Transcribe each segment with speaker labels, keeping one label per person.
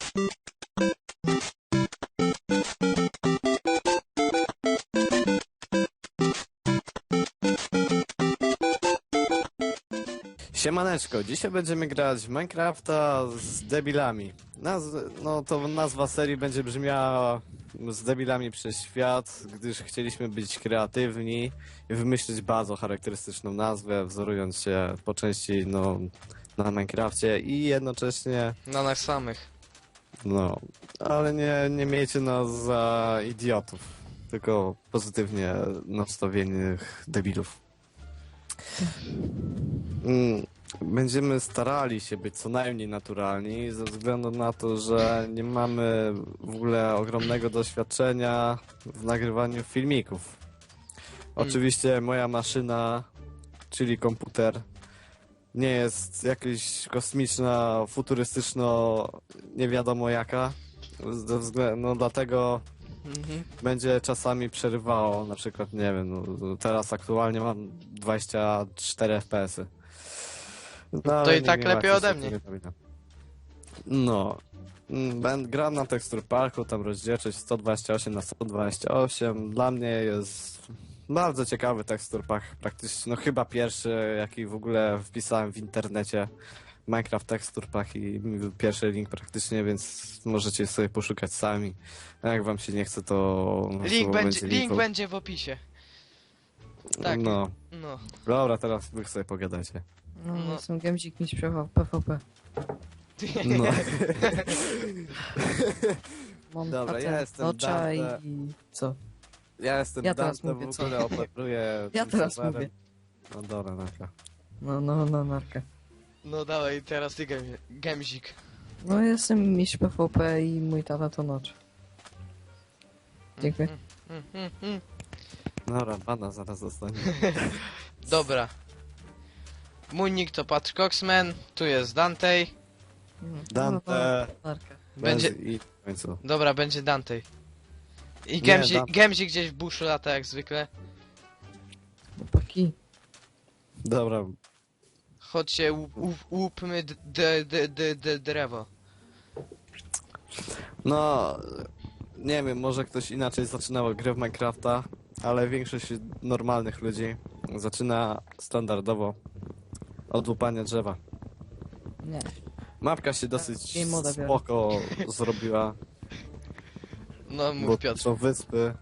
Speaker 1: Siemaneczko, dzisiaj będziemy grać w Minecrafta z debilami. No to nazwa serii będzie brzmiała z debilami przez świat, gdyż chcieliśmy być kreatywni i wymyślić bardzo charakterystyczną nazwę, wzorując się po części na Minecrafcie i jednocześnie,
Speaker 2: Na nas samych.
Speaker 1: ale nie miejcie nas za idiotów, tylko pozytywnie nastawionych debilów. Będziemy starali się być co najmniej naturalni, ze względu na to, że nie mamy w ogóle ogromnego doświadczenia w nagrywaniu filmików. Oczywiście moja maszyna, czyli komputer, nie jest jakaś kosmiczna, futurystyczno, nie wiadomo jaka. Dlatego będzie czasami przerywało, na przykład, nie wiem, teraz aktualnie mam 24 FPS-y.
Speaker 2: To i tak lepiej ode mnie.
Speaker 1: Gram na Texture Parku, tam rozdzielczość 128 na 128. Dla mnie jest bardzo ciekawy Texture Pack, praktycznie, chyba pierwszy, jaki w ogóle wpisałem w internecie. Minecraft Texture Pack i pierwszy link praktycznie, więc możecie sobie poszukać sami. A jak wam się nie chce, to...
Speaker 2: Link będzie w opisie. Tak.
Speaker 1: No.
Speaker 2: No.
Speaker 1: Dobra, teraz wy sobie pogadajcie.
Speaker 3: No, jestem Gemzik, mistrz PvP.
Speaker 1: No.
Speaker 3: Mam
Speaker 1: Dobra,
Speaker 3: tatę,
Speaker 1: ja jestem
Speaker 3: Nocza
Speaker 1: Dante.
Speaker 3: i co?
Speaker 1: Ja jestem
Speaker 3: Ja teraz
Speaker 1: Dante,
Speaker 3: mówię,
Speaker 1: w
Speaker 3: co?
Speaker 1: ogóle operuję
Speaker 3: Ja
Speaker 1: tym
Speaker 3: teraz
Speaker 1: serwerem.
Speaker 3: mówię.
Speaker 1: No dobra, dobra.
Speaker 3: No, narka.
Speaker 2: No dawaj, teraz ty Gemzik.
Speaker 3: No, jestem mistrz PvP i mój tata to Nocz. Dziękuję.
Speaker 1: Dobra, bana zaraz dostanie.
Speaker 2: Dobra. Mój nick to Patrick Coxman, tu jest Dante.
Speaker 1: Dante.
Speaker 3: Narka.
Speaker 2: Będzie...
Speaker 1: I w końcu.
Speaker 2: Dobra, będzie Dante. I
Speaker 1: Nie,
Speaker 2: Gemzik gdzieś w buszu lata jak zwykle.
Speaker 3: Chłopaki.
Speaker 1: Dobra.
Speaker 2: Chodźcie, łupmy drzewo.
Speaker 1: No, nie wiem, może ktoś inaczej zaczynał grę w Minecrafta, ale większość normalnych ludzi zaczyna standardowo od łupania drzewa.
Speaker 3: Nie.
Speaker 1: Mapka się dosyć
Speaker 3: Game moda biorę.
Speaker 1: spoko zrobiła,
Speaker 2: No
Speaker 1: bo
Speaker 2: mów Piotr.
Speaker 1: są wyspy.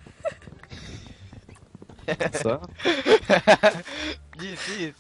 Speaker 1: Co?
Speaker 2: Nic.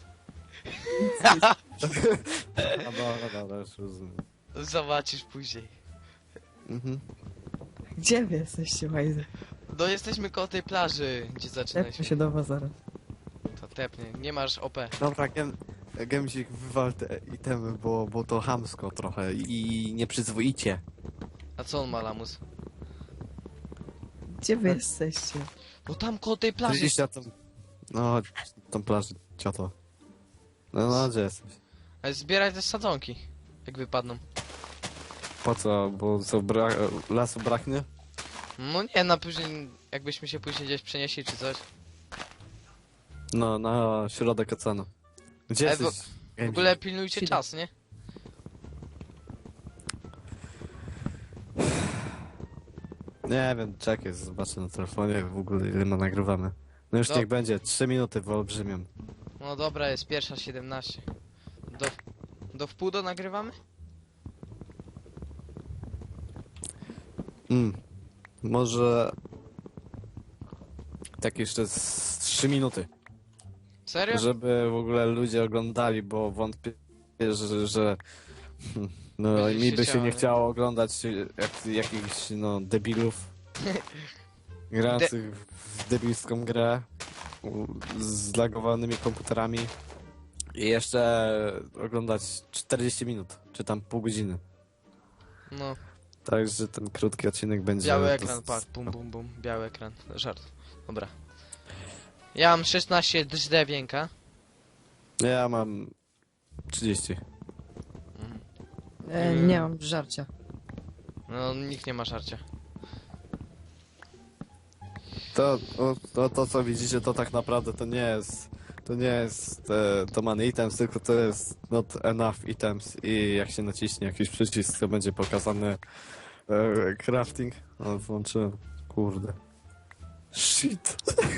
Speaker 1: Dobra, już rozumiem.
Speaker 2: Zobaczysz później.
Speaker 1: Mhm.
Speaker 3: Gdzie wy jesteście, Wajzy?
Speaker 2: No jesteśmy koło tej plaży, gdzie
Speaker 3: Lepmy
Speaker 2: zaczynaliśmy.
Speaker 3: się do was zaraz.
Speaker 2: To tepnie, nie masz OP.
Speaker 1: Dobra, Gemzik, wywal te itemy, bo to chamsko trochę i nieprzyzwoicie.
Speaker 2: A co on ma, lamus?
Speaker 3: Gdzie wy jesteście?
Speaker 2: No tam koło tej plaży.
Speaker 1: Gdzieś na tą... No, tą plażę, cioto. No, gdzie jesteś?
Speaker 2: Ale zbieraj też sadzonki, jak wypadną.
Speaker 1: Po co? Bo co, lasu braknie?
Speaker 2: No nie, na później, jakbyśmy się później gdzieś przenieśli czy coś.
Speaker 1: No, na środek oceanu. Gdzie
Speaker 2: Ale
Speaker 1: jesteś?
Speaker 2: W ogóle pilnujcie
Speaker 3: Chwila.
Speaker 2: czas, nie?
Speaker 1: Nie wiem, czekaj, zobaczę na telefonie w ogóle ile ma nagrywamy. No już
Speaker 2: No.
Speaker 1: niech będzie, 3 minuty wyolbrzymią.
Speaker 2: No dobra, jest pierwsza 17. Do wpół do nagrywamy?
Speaker 1: Może... Tak jeszcze z 3 minuty.
Speaker 2: Serio?
Speaker 1: Żeby w ogóle ludzie oglądali, bo wątpię, że no
Speaker 2: Będzie
Speaker 1: mi by się
Speaker 2: chciało,
Speaker 1: nie
Speaker 2: nie?
Speaker 1: chciało oglądać jakichś debilów grających w debilską grę z zlagowanymi komputerami i jeszcze oglądać 40 minut, czy tam pół godziny.
Speaker 2: No,
Speaker 1: Także ten krótki odcinek będzie...
Speaker 2: biały ekran, patrz, bum, biały ekran, żart. Dobra. Ja mam 16 drzewienka.
Speaker 1: Ja mam 30.
Speaker 3: Nie mam żarcia.
Speaker 2: No, nikt nie ma żarcia.
Speaker 1: To co widzicie, to tak naprawdę to nie jest To nie jest to man items, tylko to jest not enough items i jak się naciśnie jakiś przycisk, to będzie pokazany crafting. O, włączyłem. Kurde. Shit.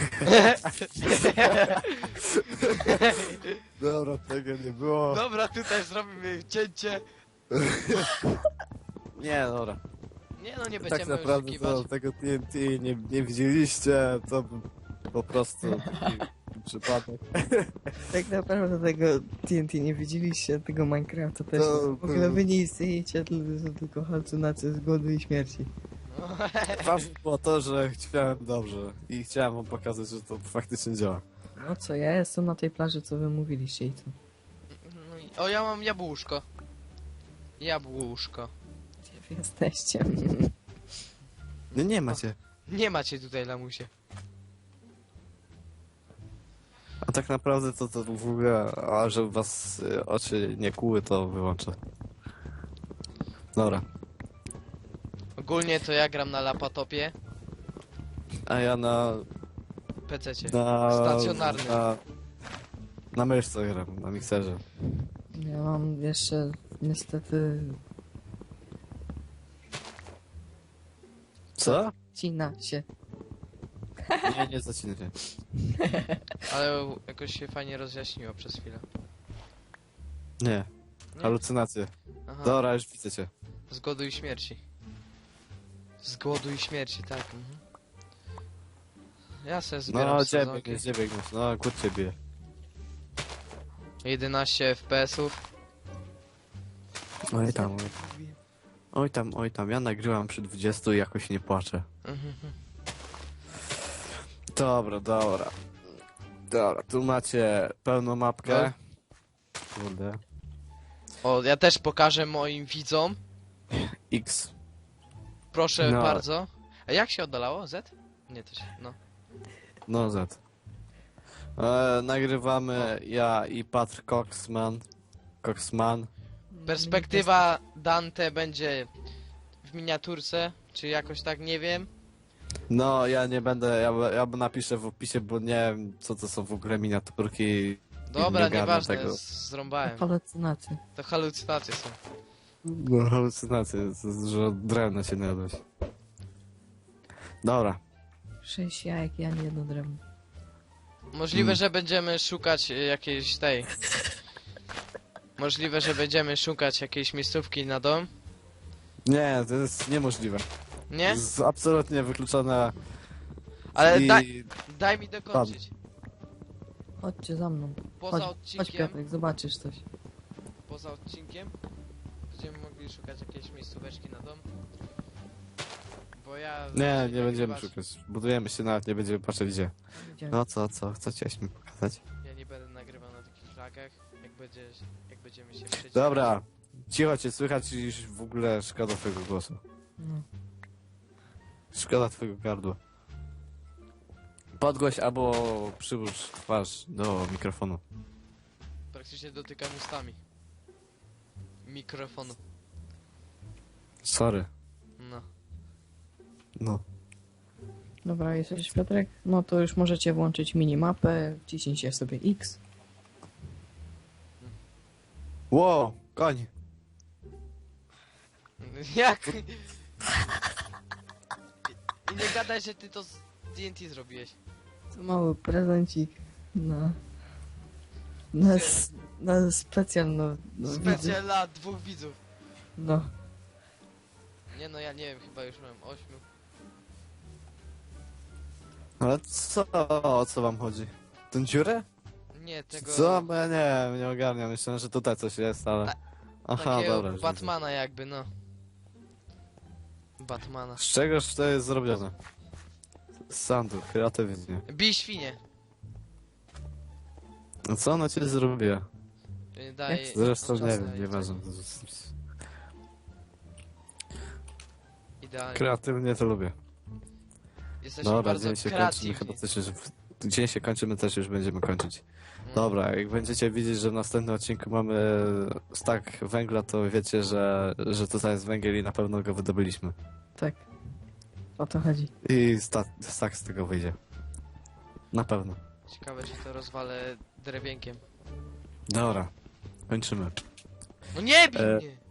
Speaker 1: Dobra, tego nie było.
Speaker 2: Dobra, tutaj zrobimy cięcie.
Speaker 1: Nie, dobra.
Speaker 2: Nie no, nie
Speaker 1: Tak
Speaker 2: będziemy
Speaker 1: naprawdę
Speaker 2: oszukiwać.
Speaker 1: to tego TNT nie widzieliście, to po prostu taki przypadek.
Speaker 3: Tak naprawdę tego TNT nie widzieliście, tego Minecrafta też.
Speaker 1: To-
Speaker 3: W ogóle wy nie istniejecie, tylko halucynacje z głodu i śmierci.
Speaker 1: Ważne było to, że chciałem dobrze i chciałem wam pokazać, że to faktycznie działa.
Speaker 3: No co, ja jestem na tej plaży, co wy mówiliście i co?
Speaker 2: No i- O, ja mam jabłuszko. Jabłuszko.
Speaker 3: Gdzie wy jesteście?
Speaker 1: Nie macie.
Speaker 2: Nie macie tutaj, lamusie.
Speaker 1: A tak naprawdę to w ogóle, a żeby was oczy nie kłuły, to wyłączę. Dobra.
Speaker 2: Ogólnie to ja gram na laptopie,
Speaker 1: A ja na
Speaker 2: PC-cie.
Speaker 1: Na...
Speaker 2: Stacjonarny.
Speaker 1: Na myszce gram, na mikserze.
Speaker 3: Ja mam jeszcze niestety...
Speaker 1: Co?
Speaker 3: Cina się.
Speaker 1: Nie zacinaj się.
Speaker 2: Ale jakoś się fajnie rozjaśniło przez chwilę.
Speaker 1: Nie,
Speaker 2: Nie?
Speaker 1: halucynacje.
Speaker 2: Aha.
Speaker 1: Dobra, już widzę cię.
Speaker 2: Z głodu i śmierci. Z głodu i śmierci, tak. Mhm. Ja se zbieram
Speaker 1: No, gdzie
Speaker 2: sezonki.
Speaker 1: biegniesz, gdzie biegniesz? No, kur ciebie.
Speaker 2: 11 FPS-ów.
Speaker 1: Oj tam, oj tam. Ja nagrywam przy 20 i jakoś nie płaczę.
Speaker 2: Mhm.
Speaker 1: Dobra. Dobra, tu macie pełną mapkę. Kurde.
Speaker 2: O, ja też pokażę moim widzom.
Speaker 1: X.
Speaker 2: Proszę
Speaker 1: No.
Speaker 2: bardzo. A jak się oddalało? Z? Nie, to się... No.
Speaker 1: No Z. Nagrywamy ja i Patr Coxman.
Speaker 2: Perspektywa Dante będzie w miniaturce, czy jakoś tak, nie wiem.
Speaker 1: No, ja nie będę, ja napiszę w opisie, bo nie wiem, co to są w ogóle miniaturki.
Speaker 2: Dobra,
Speaker 1: nie ogarnę
Speaker 2: nieważne,
Speaker 1: tego.
Speaker 2: zrąbałem.
Speaker 3: Halucynacje.
Speaker 2: To halucynacje są.
Speaker 1: No, halucynacje, że drewno się najadłeś. Dobra.
Speaker 3: 6 jajek, ja nie jedno drewno.
Speaker 2: Możliwe, że będziemy szukać jakiejś tej... Możliwe, że będziemy szukać jakiejś miejscówki na dom.
Speaker 1: Nie, to jest niemożliwe.
Speaker 2: Nie?
Speaker 1: To jest absolutnie wykluczone.
Speaker 2: Ale
Speaker 1: i...
Speaker 2: daj mi dokończyć.
Speaker 3: Chodźcie za mną.
Speaker 2: Poza
Speaker 3: Chodź
Speaker 2: odcinkiem,
Speaker 3: Piotrek, zobaczysz coś.
Speaker 2: poza odcinkiem będziemy mogli szukać jakiejś miejscóweczki na dom. Bo ja...
Speaker 1: Nie będziemy szukać. Budujemy się, nawet nie będziemy patrzeć gdzie.
Speaker 3: Idziemy.
Speaker 1: No co chciałeś mi pokazać?
Speaker 2: Ja nie będę nagrywał na takich flagach, jak będziemy się przeciwko.
Speaker 1: Dobra, cicho cię słychać i już w ogóle szkoda twojego głosu.
Speaker 3: No.
Speaker 1: Szkoda twojego gardła. Podgłoś albo przyłóż twarz do mikrofonu.
Speaker 2: Praktycznie dotykam ustami. Mikrofonu.
Speaker 1: Sorry.
Speaker 2: No.
Speaker 1: No.
Speaker 3: Dobra, jesteś Piotrek? No to już możecie włączyć minimapę, wciśnijcie sobie X.
Speaker 1: Wow, koń.
Speaker 2: Jak? I nie gadaj, że ty to z TNT zrobiłeś.
Speaker 3: To mały prezencik na specjal, no widzów.
Speaker 2: Specjal dla 2 widzów.
Speaker 3: No.
Speaker 2: Nie no, ja nie wiem, chyba już mam 8.
Speaker 1: Ale o co wam chodzi? Tę dziurę?
Speaker 2: Nie, tego...
Speaker 1: Co? Bo ja nie ogarniam. Myślałem, że tutaj coś jest, ale... Aha,
Speaker 2: Takiego
Speaker 1: dobra. już widzę.
Speaker 2: Batmana jakby, no. Batmana.
Speaker 1: Z czegoż to jest zrobione? Z sandu, kreatywnie.
Speaker 2: Bij świnie.
Speaker 1: No co ona cię zrobiła?
Speaker 2: Daj...
Speaker 1: Zresztą nie
Speaker 2: czas
Speaker 1: wiem,
Speaker 2: na
Speaker 1: nieważne.
Speaker 2: Idealnie.
Speaker 1: Kreatywnie to lubię.
Speaker 2: Jesteśmy
Speaker 1: Dobra,
Speaker 2: bardzo
Speaker 1: dzień się kończymy,
Speaker 2: kreatywni.
Speaker 1: chyba też już... Dzień się kończymy, też już będziemy kończyć.
Speaker 2: Mm.
Speaker 1: Dobra, jak będziecie widzieć, że w następnym odcinku mamy stack węgla, to wiecie, że tutaj jest węgiel i na pewno go wydobyliśmy.
Speaker 3: Tak. O to chodzi.
Speaker 1: I stack z tego wyjdzie. Na pewno.
Speaker 2: Ciekawe, czy to rozwalę drewienkiem.
Speaker 1: Dobra, kończymy.
Speaker 2: No nie bij
Speaker 1: E,
Speaker 2: mnie!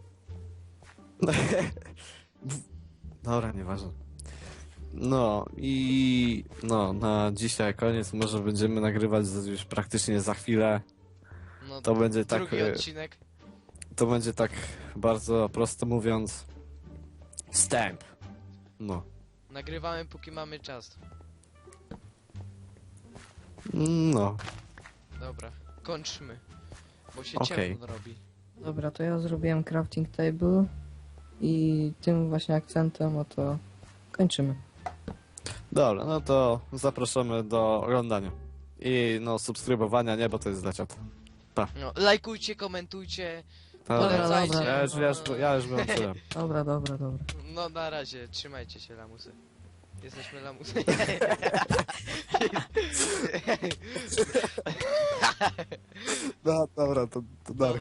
Speaker 1: Dobra, nieważne. No i no, na dzisiaj koniec. Może będziemy nagrywać już praktycznie za chwilę.
Speaker 2: No,
Speaker 1: To będzie tak.
Speaker 2: drugi odcinek.
Speaker 1: To będzie tak bardzo prosto mówiąc. Wstęp. No.
Speaker 2: Nagrywamy póki mamy czas.
Speaker 1: No.
Speaker 2: Dobra, kończmy. Bo się
Speaker 1: Okej.
Speaker 2: ciemno robi.
Speaker 3: Dobra, to ja zrobiłem crafting table i tym właśnie akcentem, to kończymy.
Speaker 1: Dobra, no to zapraszamy do oglądania. I no subskrybowania, nie, bo to jest dla ciot.
Speaker 2: No, lajkujcie, komentujcie.
Speaker 1: Dobra,
Speaker 2: Polecajcie.
Speaker 1: ja już wyłączyłem.
Speaker 3: Dobra, dobra, dobra.
Speaker 2: No na razie, trzymajcie się lamusy. Jesteśmy lamusy.
Speaker 1: No, dobra, to Darek.